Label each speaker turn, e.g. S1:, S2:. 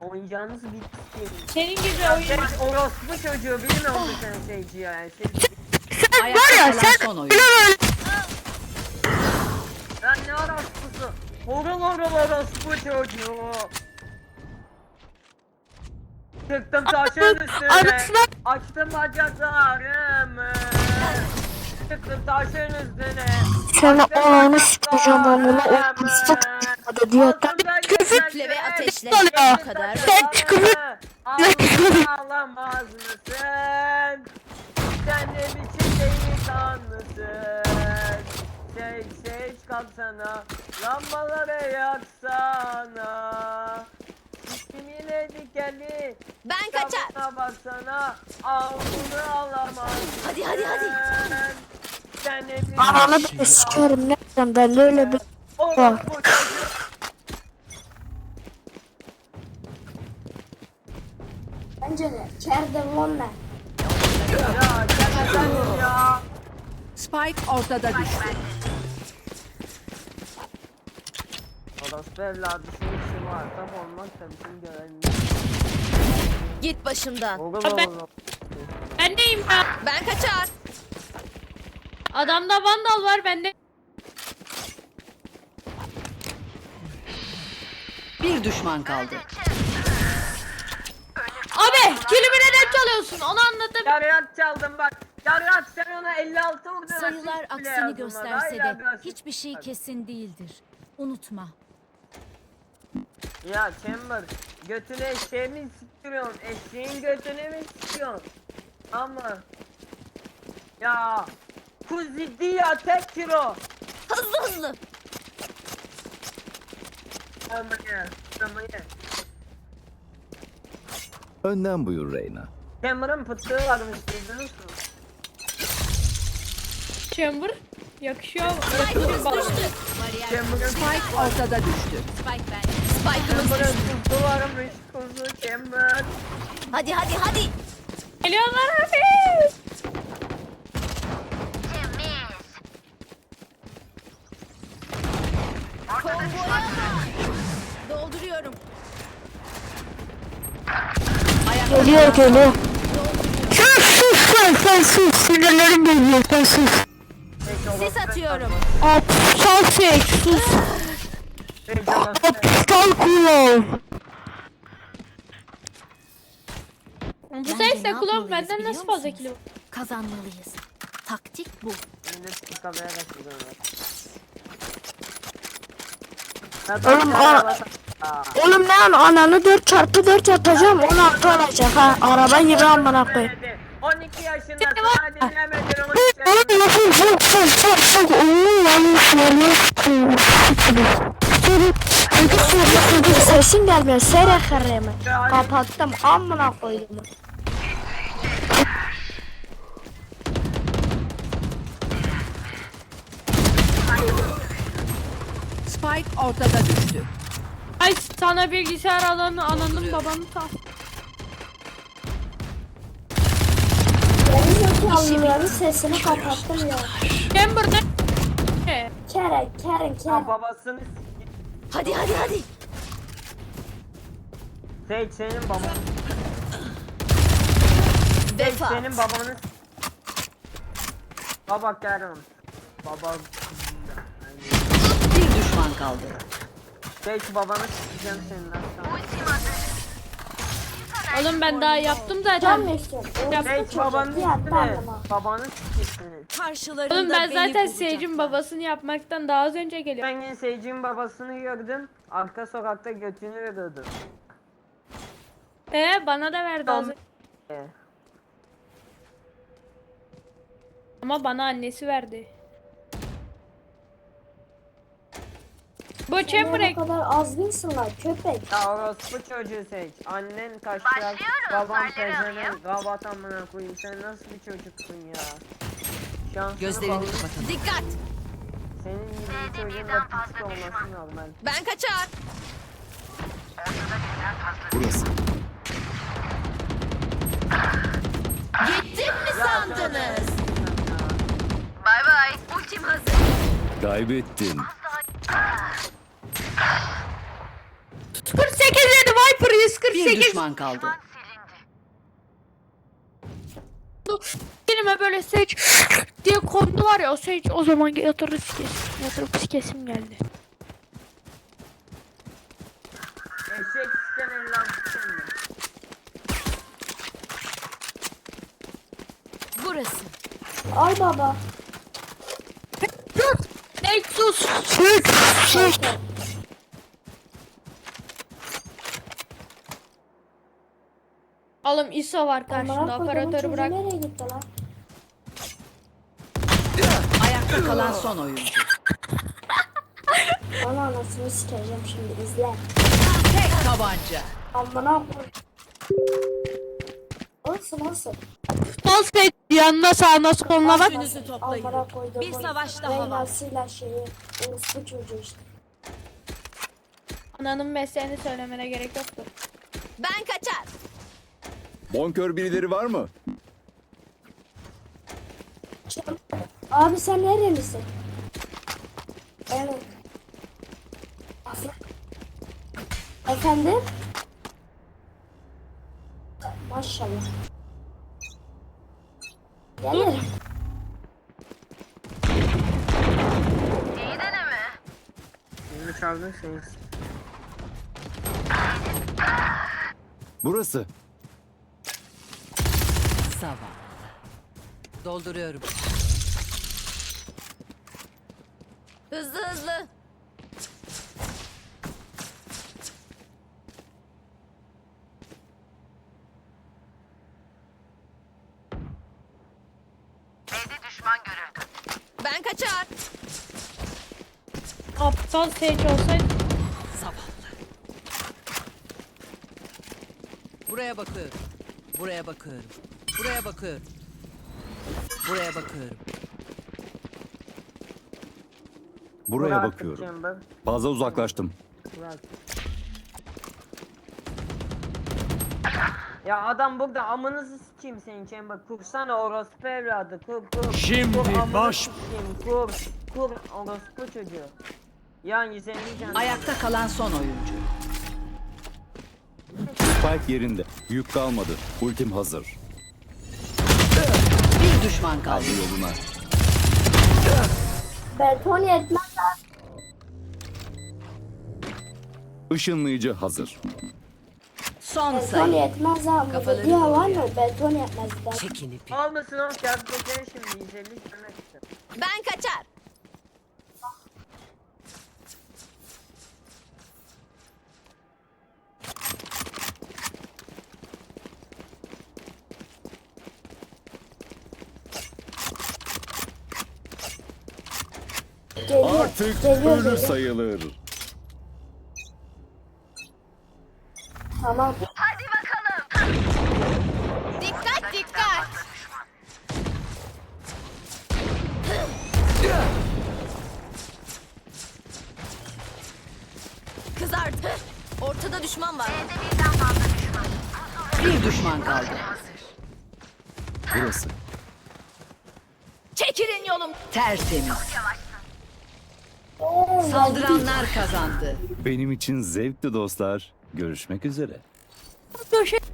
S1: Oyuncağınız bitti.
S2: Senin gibi oyun.
S1: Orospu çocuğu bilmiyor musun sen şeyci yani?
S3: Sen var ya sen son oyun.
S1: Lan ne orospusu? Horul orospu çocuğu. Çıktım taşın üstüne.
S2: Anasını
S1: Açtım bacaklarımı. Çıktım taşın üstüne.
S4: Sana
S1: Açtım
S4: ananı sikeceğim amına
S1: bacaklarımı.
S4: o diyor.
S1: Altımda
S3: Küfürle ve ateşle
S4: oluyor.
S3: bu kadar.
S4: Sen çıkıp
S1: Ağlamaz mısın? Sen ne biçim delikanlısın? Şey kalksana, lambaları yaksana. İsmine dikenli,
S3: Ben kaçar.
S1: kitabına baksana, ağzını alamaz.
S3: Hadi, hadi, hadi.
S1: Sen ne biçim
S4: ananı bile sikerim ne yapacağım ben de öyle bir
S1: orospu çocuğu.
S4: Bence de kerdim onunla.
S1: Ya sen ya.
S3: Spike ortada düştü.
S1: Orospu evladı şunun işi var. Tam olmaz da bizim görevimiz.
S3: Git başımdan.
S1: Oğlum
S2: Ben-
S1: oğlum.
S2: Ben neyim ya?
S3: Ben kaçar.
S2: Adamda vandal var bende.
S3: Bir düşman kaldı.
S2: Abi kilimi neden çalıyorsun? Onu anladım.
S1: Yarıyak çaldım bak. Yarıyak sen ona 56 vurdun.
S5: Sayılar
S1: asist bile
S5: aksini
S1: yazılmadı.
S5: gösterse
S1: Hala
S5: de
S1: bir asist
S5: hiçbir şey
S1: var.
S5: kesin değildir. Unutma.
S1: Ya Chamber götüne eşeği mi sikiyorsun? Eşeğin götüne mi sikiyorsun? Ama ya kuzidi ya tek kilo.
S3: Hızlı hızlı.
S1: Ama ye.
S6: Önden buyur Reyna.
S1: Chamber'ın pıttığı varmış duydunuz mu?
S2: Chamber. Yakışıyor.
S3: Spike'ımız
S2: bana.
S3: düştü.
S1: Chamber'ın
S3: Spike ortada düştü. Spike'ımız
S1: Chamber'ın
S3: düştü.
S1: pıttığı varmış kuzu Chamber.
S3: Hadi hadi hadi.
S2: Geliyorlar abi.
S3: Konvoya. Dolduruyorum.
S4: Geliyor. Sen sus sinirlerim geliyor sen sus.
S3: Sis atıyorum.
S4: Aptal seç sus. Aptal kulağım.
S2: Bu
S5: Bence
S2: sesle
S5: ne
S2: kulağım
S5: yapmalıyız
S2: benden
S5: biliyor
S2: nasıl fazla
S5: musunuz?
S2: kilo?
S5: Kazanmalıyız. Taktik bu.
S4: Oğlum ne ananı 4x4 atacağım 16 olacak ha. Araba gibi amına koyayım.
S1: 12 yaşında sana dinlemedin onu.
S4: Oğlum nasıl çok oğlum yanlış sesin gelmiyor sere karımı kapattım amına koydum.
S3: Spike ortada düştü.
S2: Ay sana bilgisayar alanı ananın babanı ta.
S4: Zekalıların sesini kapattım ya.
S2: Chamber ne?
S4: Keren.
S1: Babasını s***.
S3: Hadi hadi hadi.
S1: Senin baban.
S3: Defa.
S1: Senin babanı Baba Kerem. Baba.
S3: Bir düşman kaldı.
S1: Babanı s***eceğim senin lan.
S2: Oğlum ben daha yaptım zaten.
S1: Babanı s***ne. Babanı s***siniz.
S3: Karşılarında
S2: Oğlum ben zaten
S3: bulacaklar.
S2: Sage'in babasını yapmaktan daha az önce geliyorum.
S1: Ben yine Seyirci'nin babasını gördüm. Arka sokakta götünü veriyordu.
S2: Bana da verdi az önce. Ama bana annesi verdi. Bu Chamber
S4: Ne kadar azgınsın lan köpek.
S1: Ya orospu çocuğu seç. Annen taşlar, baban pezevenk, gavat amına koyayım. Sen nasıl bir çocuksun ya? Şansını
S3: Gözlerini
S1: bağlı.
S3: kapatın.
S5: Dikkat!
S1: Senin gibi bir çocuğun da pislik olması normal.
S3: Ben kaçar.
S6: Burası.
S3: Gittim mi sandınız?
S1: Bay bay.
S3: Ultim hazır.
S6: Kaybettin.
S2: 48 yedi Viper 140.
S3: Bir düşman kaldı.
S2: Elime böyle seç diye kondu var ya, o seç o zaman yatırıp sikesim. Yatırıp sikesim geldi.
S1: Eşek siken eller siken mi?
S5: Burası.
S4: Ay baba.
S2: Nexus. Alım ISO var karşında, operatörü bırak.
S4: Nereye gitti lan?
S3: Ayakta kalan son oyuncu.
S4: Bana anasını sikeceğim şimdi izle.
S3: Tek tabanca.
S4: Amına koy. Olsun.
S2: Sol seç yanına sağına soluna bak.
S3: Üçünüzü toplayın.
S4: Amına koydum.
S3: Bir savaş daha var.
S4: Reynasıyla şeyi. Orospu çocuğu işte.
S2: Ananın mesleğini söylemene gerek yoktu.
S3: Ben kaçar.
S6: Bonkör birileri var mı?
S4: Abi sen nerelisin? Evet. Efendim? Maşallah. Gelirim.
S1: Beni çaldın sen.
S6: Burası.
S3: Sabah. Dolduruyorum. Hızlı hızlı. Ben kaçar.
S2: Aptal seç olsaydı.
S3: Zavallı. Buraya bakıyorum. Buraya bakıyorum. Buraya bakıyorum. Buraya bakıyorum.
S6: Buraya
S1: Bırak
S6: bakıyorum.
S1: Chamber,
S6: Fazla uzaklaştım.
S1: bırak. Ya adam burada, amınızı sikeyim senin Chamber. Kursana orospu evladı. Kur.
S7: Şimdi
S1: Kur, amını
S7: baş-
S1: sikeyim, Kur orospu çocuğu. Yani senin canın.
S3: Ayakta kalan son oyuncu.
S6: Spike yerinde. Yük kalmadı. Ultim hazır.
S3: Bir düşman kaldı.
S6: Hadi yoluna.
S4: Beton yetmez abi.
S6: Işınlayıcı hazır.
S3: Son
S4: Beton
S3: sayı.
S4: yetmez abi.
S3: Kafaları
S4: Diye var
S3: doğru
S4: mı? Beton yetmez. Ben.
S3: Çekin ipi.
S1: Olmasın oğlum, kağıt geçene şimdi 150 demek istedim.
S3: Ben kaçar.
S4: Geliyor.
S6: Artık
S4: Geliyor,
S6: ölü
S4: geliyor.
S6: sayılır.
S4: Tamam.
S3: Dikkat dikkat. Kızardı. Ortada düşman var. Bir düşman kaldı.
S6: Burası.
S3: Çekilin yolum. Tertemiz. Saldıranlar kazandı.
S6: Benim için zevkli dostlar. Görüşmek üzere.
S2: Döşek